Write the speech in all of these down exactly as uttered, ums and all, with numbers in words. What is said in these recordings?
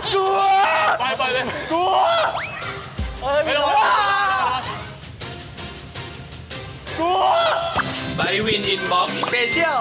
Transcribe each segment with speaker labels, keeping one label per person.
Speaker 1: กลัว
Speaker 2: ไปไปเลย
Speaker 1: กลัวเอ้ย
Speaker 2: ไม่ต้อง
Speaker 1: กลัว
Speaker 2: ไบวินอินบ็อกซ์สเปเชียล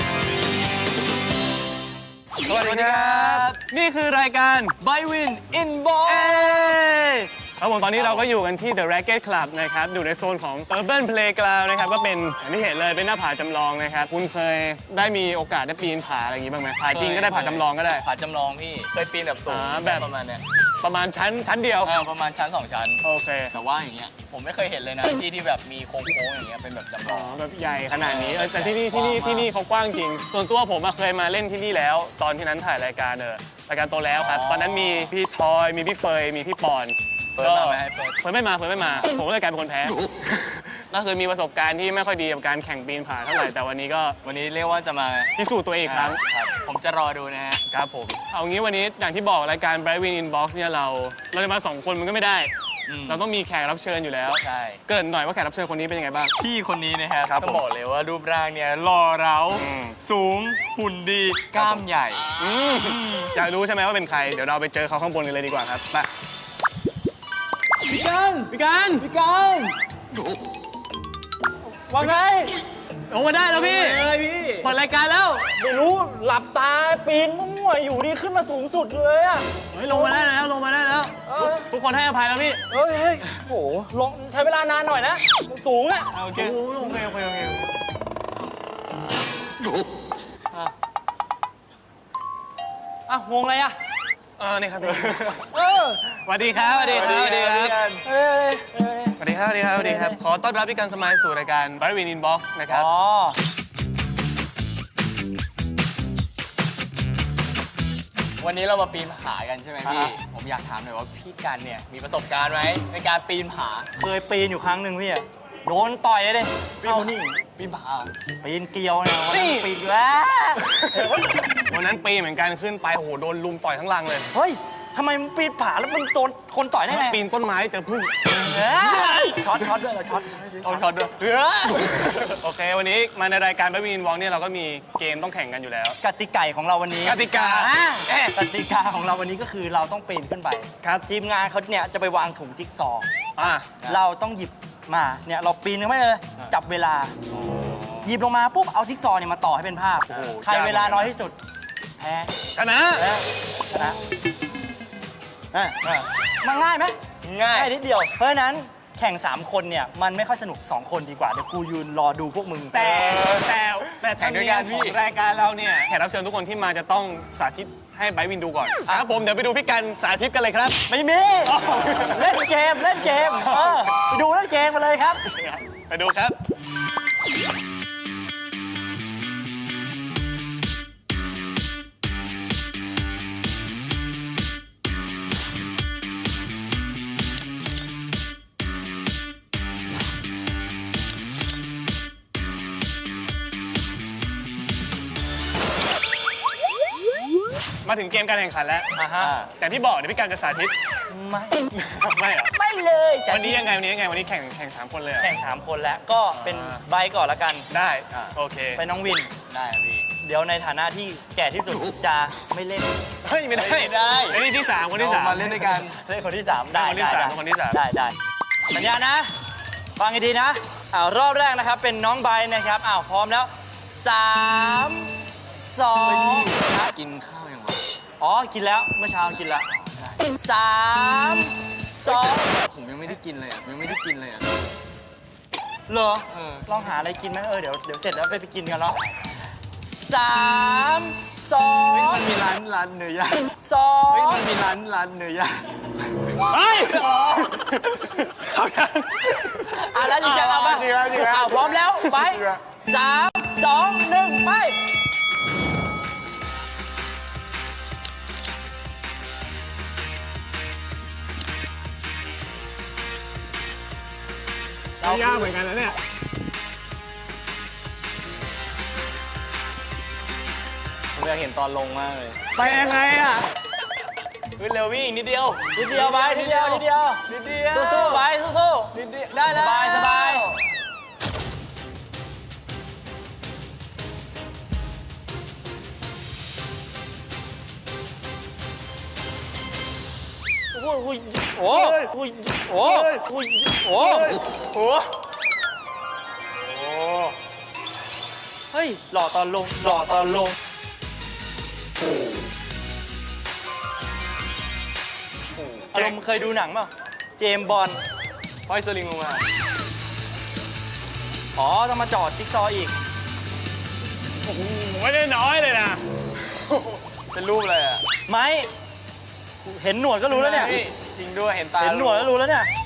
Speaker 2: สวัสดีครับนี่คือรายการไบวินอินบ็อกซ์ครับผมตอนนี้เราก็อยู่กันที่ The Racket Club นะครับอยู่ในโซนของ Urban Playground นะครับก็เป็นอย่างที่เห็นเลยเป็นหน้าผาจำลองนะครับคุณเคยได้มีโอกาสได้ปีนผาอะไรอย่างงี้บ้างไหมผาจริงก็ได้ผาจำลองก็ได้
Speaker 3: ผาจำลองพี่เคยปีนแบบสูง
Speaker 2: อ่าแบบ
Speaker 3: ประมาณเนี้ย
Speaker 2: ประมาณชั้นชั้นเดียว
Speaker 3: เออประมาณชั้นสองชั้น
Speaker 2: โอเค
Speaker 3: แต่ว่าอย่างเงี้ยผมไม่เคยเห็นเลยนะที่ที่แบบมีโค้งๆอย่างเงี้ยเป็นแบบจำล
Speaker 2: อ๋
Speaker 3: อ
Speaker 2: อง แบบใหญ่ขนาดนี้เออแต่ที่นี่ที่นี่ที่นี่เขากว้างจริง ส่วนตัวผมอะเคยมาเล่นที่นี่แล้ว ตอนที่นั้นถ่ายรายการเออรายการโตแล้วครับตอนนั้นมีพี่ทอยมีพี่เฟยมีพี่ปอน
Speaker 3: เฟิร์สมาไหมให้เฟิร์ส
Speaker 2: เฟิร์นไม่มาเฟิร์นไม่มา ผมก็เลยกลายเป็นคนแพ้ ก็คือมีประสบการณ์ที่ไม่ค่อยดีกับการแข่งปีนผาเท่าไหร่แต่วันนี้ก็
Speaker 3: วันนี้เรียกว่าจะมา
Speaker 2: พิสูจน์ตัวเองอีกครั้ง
Speaker 3: ครับผมจะรอดูนะฮะ
Speaker 2: ครับผมเอางี้วันนี้อย่างที่บอกรายการ Bright Win Inbox เนี่ยเราเราจะมาสองคนมันก็ไม่ได้
Speaker 3: อืม
Speaker 2: เราต้องมีแขกรับเชิญอยู่แล้ว
Speaker 3: ใช่
Speaker 2: เกริ่นหน่อยว่าแขกรับเชิญคนนี้เป็นยังไงบ้าง
Speaker 3: พี่คนนี้นะครับ
Speaker 2: ครับ
Speaker 3: ต้อง
Speaker 2: ผม
Speaker 3: บอกเลยว่ารูปร่างเนี่ยหล่อเร้า
Speaker 2: อืม
Speaker 3: สูงหุ่นดีกล้ามใหญ่
Speaker 2: อืมอยากรู้ใช่ไหมว่าเป็นใครเดี๋ยวเราไปเจอเขาข้างบนกันเลยดีกว่าครับไปพี่กันพี่กันพี่กัน
Speaker 1: ว่าไง
Speaker 2: ลงมาได้แล้วพี่
Speaker 1: เอ้ยพี่
Speaker 2: เปิดรายการแล้ว
Speaker 1: ไม่รู้หลับตาปีนมั่วๆอยู่ดีขึ้นมาสูงสุดเลยอะ
Speaker 2: เฮ้ยลงมาได้แล้วลงมาได้แล้ว
Speaker 1: เออ
Speaker 2: ทุกคนให้อภัยแล้วพี่
Speaker 1: เฮ้ยเฮ้ยโหลงใช้เวลานานหน่อยนะสูงอะ
Speaker 2: โอเคโอเคโอเคโอเค
Speaker 1: อ่ะงงอะไรอะ
Speaker 2: เออนี่ครับ
Speaker 1: เออ
Speaker 2: สวัสดีครับสวัสดีครับสวัสดีครับ
Speaker 1: เอ้ยเอ้ย
Speaker 2: สวัสดีครับสวัสดีครับสวัสดีครับขอต้อนรับพี่กันสมัยสู่รายการ Bright Win Inbox นะครับ
Speaker 1: อ๋อ
Speaker 3: วันนี้เรามาปีนผากันใช่ไหมพี่
Speaker 1: อ่า
Speaker 3: ผมอยากถามหน่อยว่าพี่กันเนี่ยมีประสบการณ์ไหมในการปีนผา
Speaker 1: เคยปีนอยู่ครั้งหนึ่งพี่อะโดนต่อยเลยดิเข้านี่
Speaker 3: ปีนผา
Speaker 1: ปีนเกลียวเนี่ยวัน
Speaker 2: นี่
Speaker 1: นั้นปีนแล้ว
Speaker 2: วันนั้นปีเหมือนกันขึ้นไปโอ้โหโดนลุมต่อยทั้งลังเลย
Speaker 1: เฮ้ยทำไมมึงปีนผาแล้วมึงโดนคนต่อยได้ไง
Speaker 2: ปีนต้นไม้เจอพึ่ง
Speaker 1: เอ้ยช็อตช็อตด้วยเหรอช็อต
Speaker 3: เอาช็อตด้วย
Speaker 2: โอเค วันนี้มาในรายการ Bright Win Inbox เนี่ยเราก็มีเกมต้องแข่งกันอยู่แล้ว
Speaker 1: กติกาของเราวันนี้
Speaker 2: กติกา
Speaker 1: อ่ะ
Speaker 2: เอ๊ะ
Speaker 1: กติกาของเราวันนี้ก็คือเราต้องปีนขึ้นไป
Speaker 2: ครับ
Speaker 1: ทีมงานเขาเนี่ยจะไปวางถุงจิ๊กซอว์
Speaker 2: อ่ะ
Speaker 1: เราต้องหยิบมาเนี่ยเราปีนขึ้นไปเลยจับเวลา หยิบลงมาปุ๊บเอาจิ๊กซอว์เนี่ยมาต่อให้เป็นภาพ ใครเวลาน้อยที่สุดแพ้
Speaker 2: ชนะ
Speaker 1: ชนะอ่ะมันง่ายไหม
Speaker 3: ง่าย
Speaker 1: ง่ายนิดเดียว เพราะฉะนั้นแข่ง สาม คนเนี่ยมันไม่ค่อยสนุก สอง คนดีกว่า เดี๋ยวกูยืนรอดูพวกมึง
Speaker 2: แต่แต่แต่ธรรมเนียมของรายการเราเนี่ยแขกรับเชิญทุกคนที่มาจะต้องสาธิตให้ไบร์ทวินดูก่อนครับผมเดี๋ยวไปดูพี่กันสาธิตกันเลยครับ
Speaker 1: ไม่มี เล่นเกม เล่นเกมเออไปดูเล่นเกมมาเลยครับ
Speaker 2: ไปดูครับ มาถึงเกมการแข่งขันแล้ว
Speaker 1: อ่าฮะ
Speaker 2: แต่ที่บอกเดี๋ยวพี่กันจะสาธิต
Speaker 1: ไม่
Speaker 2: ไม่เหรอ
Speaker 1: ไม่เลย
Speaker 2: วันนี้ยังไงวันนี้ยังไงวันนี้แข่งแข่งสามคนเลยเหรอ
Speaker 1: แข่ง สาม คนแล้ว ก็เป็น
Speaker 2: อ่า
Speaker 1: ใบก่อนละกัน
Speaker 2: ได้โอเค
Speaker 1: เป็นน้องวิน
Speaker 3: ได้ครับพี่
Speaker 1: เดี๋ยวในฐานะที่แก่ที่สุดจะไม่เล่น
Speaker 2: เฮ้ยไม่ได้
Speaker 3: ไม่ได้
Speaker 2: ไอ้นี่ที่สามคนที่สาม
Speaker 3: เรามาเล่นด้วยกัน
Speaker 1: เล่นคนที่สามได้
Speaker 2: คนที่สาม
Speaker 1: ได้
Speaker 2: คนที่สาม
Speaker 1: ได้ได้สัญญานะ ฟังให้ดีนะอ้าวรอบแรกนะครับเป็นน้องใบนะครับอ้าวพร้อมแล้วสามสอง
Speaker 3: กินข้าวยังวะ
Speaker 1: อ๋อกินแล้วเมื่อเช้ากินแล้วสามสอง
Speaker 3: ผมยังไม่ได้กินเลยอ่ะยังไม่ได้กินเลยอ่ะ
Speaker 1: เหรอ
Speaker 3: เออ
Speaker 1: ลองหาอะไรกินไหมเออเดี๋ยวเดี๋ยวเสร็จแล้วไปไปกินกันเนาะสามสอ
Speaker 3: เฮ้ย
Speaker 1: ง
Speaker 3: มันมีร้านร้านเนื้อย่าง
Speaker 1: สอ
Speaker 3: เฮ้ย
Speaker 1: ง
Speaker 3: มันมีร้านร้านเนื้อย่าง
Speaker 2: เฮ้ยเอายัง
Speaker 1: อ่ะแล้วจริงจังเอาป่ะ
Speaker 3: จริงแล้วจริงแล้ว
Speaker 1: อ้าวพร้อมแล้วไป
Speaker 3: จริงแล้ว
Speaker 1: สามสองหนึ่งไป
Speaker 2: ยากเหมือนกันนะเนี่ย
Speaker 3: ผมอยากเห็นตอนลงมากเลย
Speaker 2: ไปยังไงอ่ะ
Speaker 3: ขึ้นเร็วพี่อีกนิดเดียว
Speaker 1: นิดเดียวไปนิดเดียวนิดเดียว
Speaker 3: นิดเดียว
Speaker 1: สู้ๆไปสู้
Speaker 3: นิดเดียวได้แล้ว
Speaker 1: สบายสบาย
Speaker 2: ย
Speaker 1: โอ้โหโอ้โหโอ้โหโอ้โห
Speaker 2: โอ้โห
Speaker 1: เฮ้ยหล่อตอนลงหล่อตอนลงอารมณ์เคยดูหนังเปล่าเจมส์บอนด์
Speaker 2: ห้อยสลิงลงมา
Speaker 1: อ๋อต้องมาจอดจิ๊กซอว์อีก
Speaker 2: โอ้โหไม่ได้น้อยเลยนะ
Speaker 3: เป็นรูปอะไรอ่ะ
Speaker 1: ไม้เห็นหนวดก็รู้แล้วเนี่ย
Speaker 3: จริงด้วยเห็นตา
Speaker 1: เห็นหนวดแล้วรู้แล้วเนี่ย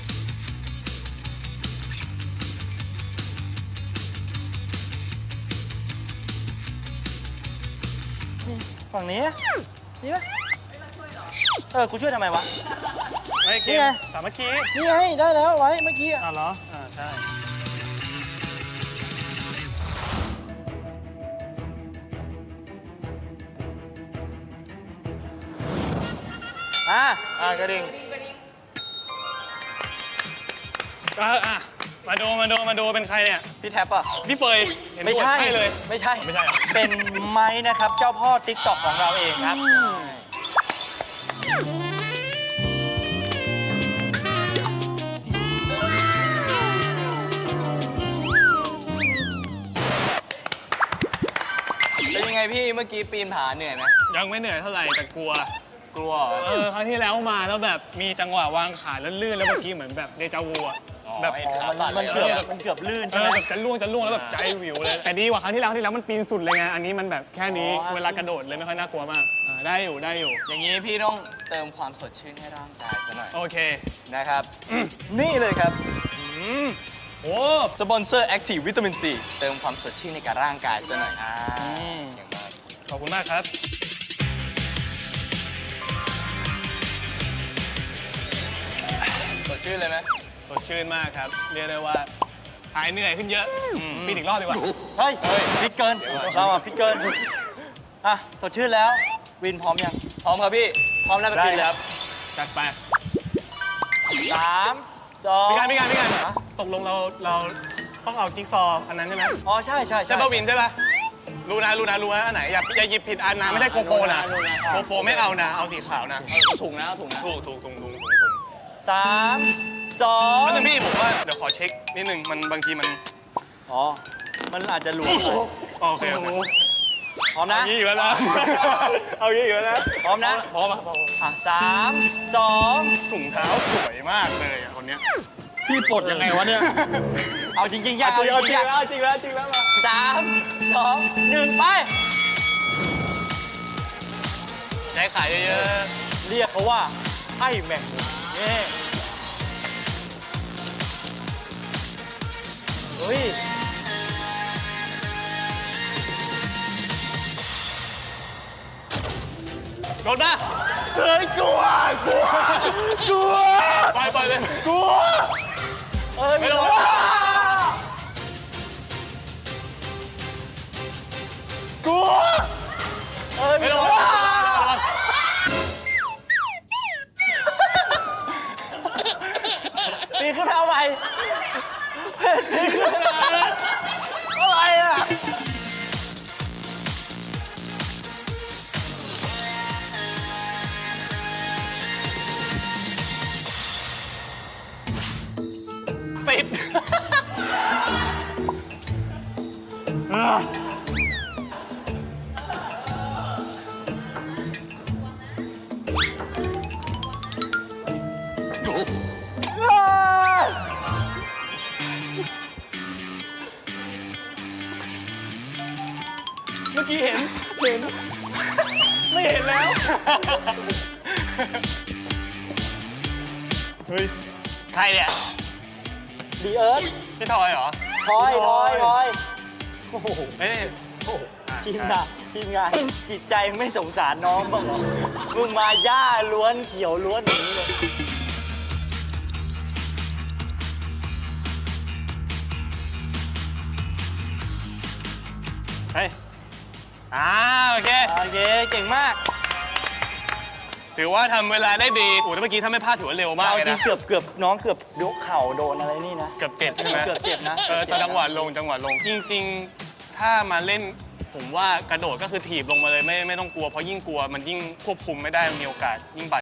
Speaker 1: นี่ฝั่งนี้นี่ไหมเออกูช่วยทำไมวะ
Speaker 2: ไม่เก
Speaker 1: นี่
Speaker 2: ม
Speaker 1: ไง
Speaker 2: สามัคคี
Speaker 1: นี่ไงได้แล้วไว้เมื่อกี้อะ
Speaker 2: อ่ะเหรอ อ่าใช่
Speaker 1: อ่ะ
Speaker 3: อ่ะกระดิ่ง
Speaker 2: อ่ะอ่ะมาดูมาดูมาดูเป็นใครเนี่ย
Speaker 3: พี่แท็บอ่ะ
Speaker 2: พี่เฟยเห็น
Speaker 1: ไม่
Speaker 2: หนวด
Speaker 1: ใช่
Speaker 2: ใช่เลย
Speaker 1: ไม่ใช่
Speaker 2: ไม่ใช่เหรอ
Speaker 1: เป็นไม้นะครับเจ้าพ่อติ๊กต็อกของเราเองครับ
Speaker 3: เป็นยังไงพี่เมื่อกี้ปีนผาเหนื่อยไหม
Speaker 2: ยังไม่เหนื่อยเท่าไหร่แต่กลัว
Speaker 3: กลัวเหรอ
Speaker 2: เออครั้งที่แล้วมาแล้วแบบมีจังหวะวางขาแล้วลื่นแล้วเมื่อกี้เหมือนแบบเดจาวูอะ
Speaker 3: อ๋อ
Speaker 2: แบบ
Speaker 3: เห็นขา
Speaker 1: มัน
Speaker 3: สั่น
Speaker 1: มัน
Speaker 3: เลย
Speaker 1: เกือบ
Speaker 3: เนี่ย
Speaker 1: มันเกือบลื่น
Speaker 2: เอ
Speaker 1: ใช่ไห
Speaker 2: อ
Speaker 1: ม
Speaker 2: แบบจะล่วงจะล่วงแล้วแบบใจวิวเลยแต่ดีกว่าครั้งที่แล้วครั้งที่แล้วมันปีนสุดเลยไงอันนี้มันแบบแค่นี้
Speaker 1: อ๋อ
Speaker 2: เวลากระโดดเลยไม่ค่อยน่ากลัวมากอ่าได้อยู่ได้อยู่
Speaker 3: อย่างนี้พี่ต้องเติมความสดชื่นให้ร่างกายซะหน่อย
Speaker 2: โอเค
Speaker 3: นะครับ นี่เลยครับ
Speaker 2: อืมโอ้
Speaker 3: สปอนเซอร์ Active วิตามิน C เติมความสดชื่นในกับร่างกายซะหน่อยอ่า
Speaker 2: ม
Speaker 3: เก่งมาก
Speaker 2: ขอบคุณมากครับ
Speaker 3: สดชื่นเลยไหม
Speaker 2: สดชื่นมากครับ เรียกได้ว่าหายเหนื่อยขึ้นเยอะปีนอีกรอบดีกว่า
Speaker 1: เฮ้ยฟิตเกินเราอะฟิตเกินอ่ะสดชื่นแล้ววินพร้อมยัง
Speaker 3: พร้อมครับพี่
Speaker 1: พร้อมแล้วไป
Speaker 2: ได้
Speaker 1: ปีนเลย
Speaker 2: ครับจัดไป
Speaker 1: สามสอง
Speaker 2: พี่การพี่การพี่การ
Speaker 1: ฮะ
Speaker 2: ตกลงเราเราต้องเอาจิ๊กซอว์อันนั้นใช่ไหม
Speaker 1: อ๋อใช่ใช่
Speaker 2: ใช่ป่ะวินใช่ป่ะรู้นะรู้นะรู้นะอันไหนอย่าอย่าหยิบผิดอันนะไม่ได้โกโปรนะ
Speaker 1: รู้นะ
Speaker 2: โกโปรไม่เอานะเอาสีขาวนะ
Speaker 3: เอาถุงนะเอาถุงนะ
Speaker 2: ถูกถูกถูกถูกถูกถูก
Speaker 1: สามสอง
Speaker 2: แล้วนึงพี่ผมว่าเดี๋ยวขอเช็คนิดนึงมันบางทีมัน
Speaker 1: อ๋อมันอาจจะหลวม
Speaker 2: โอเคโอเค
Speaker 1: พร้อมนะ
Speaker 2: ยี่อีกแล้วนะเอายี่อีกแล้วนะ
Speaker 1: พร้อมนะ
Speaker 2: พร้อมอ่ะ
Speaker 1: อ่ะสามสอง
Speaker 2: ถุงเท้าสวยมากเลยอ่ะคนเนี้ย
Speaker 1: พี่ปลดยังไงวะเนี่ย เอาจริงๆอยากเอาจริงๆอยาก
Speaker 2: แล้วจริงแล้วจริงแล้วมา
Speaker 1: สามสองหนึ่งไป
Speaker 2: ใช้ขายเยอะ
Speaker 1: เรียกเขาว่าไอ้แมงมุมนี่เฮ้ย
Speaker 2: ๆโดนปะ
Speaker 1: เฮ้ยกลัวกลัวกลัว
Speaker 2: ปล่อยปล่อยเลย
Speaker 1: กลัวเอ้ย
Speaker 2: ไม่ต้อง
Speaker 1: กลัวเอ้ย
Speaker 2: ไม่
Speaker 1: ไม่
Speaker 2: ต้
Speaker 1: ต้
Speaker 2: อ
Speaker 1: อง ง
Speaker 2: ระวัง
Speaker 1: ปีนขึ้นมาเอาใหม่ปีนขึ้นมาอะไรอ่ะ
Speaker 2: ติด เมื่อกี้เห็น เห็น ไม่เห็นแล้ว เฮ้ย ใครเนี่ย
Speaker 1: ดีเอิร์ธ
Speaker 2: พี่ทอยเหรอ
Speaker 1: ทอยทอยทอยโอ้โห
Speaker 2: เอ้ย
Speaker 1: ทีมงานทีมงานจิตใจไม่สงสารน้องบ้างเหรอมึงมาหญ้าล้วนเขียวล้วนอย่างนี้เลย
Speaker 2: เฮ้ยอ่าโอเค
Speaker 1: โอเคเก่งมาก
Speaker 2: ถือว่าทำเวลาได้ดีโอ้แต่เมื่อกี้ถ้าไม่พลาดถือว่าเร็วมาก
Speaker 1: เอา
Speaker 2: เลย
Speaker 1: จริ
Speaker 2: นะ
Speaker 1: งเกือบเกือบน้องเกือบยกเข่าโดนอะไรนี่นะ
Speaker 2: เกือบเจ็บใช่ไหม
Speaker 1: เกือบเจ็บนะ
Speaker 2: เออแต่จังหวะลงจังหวะลง จริง ๆ ถ้ามาเล่นผมว่ากระโดดก็คือถีบลงมาเลยไม่ไม่ต้องกลัวเพราะยิ่งกลัวมันยิ่งควบคุมไม่ได้มีโอกาสยิ่งบาด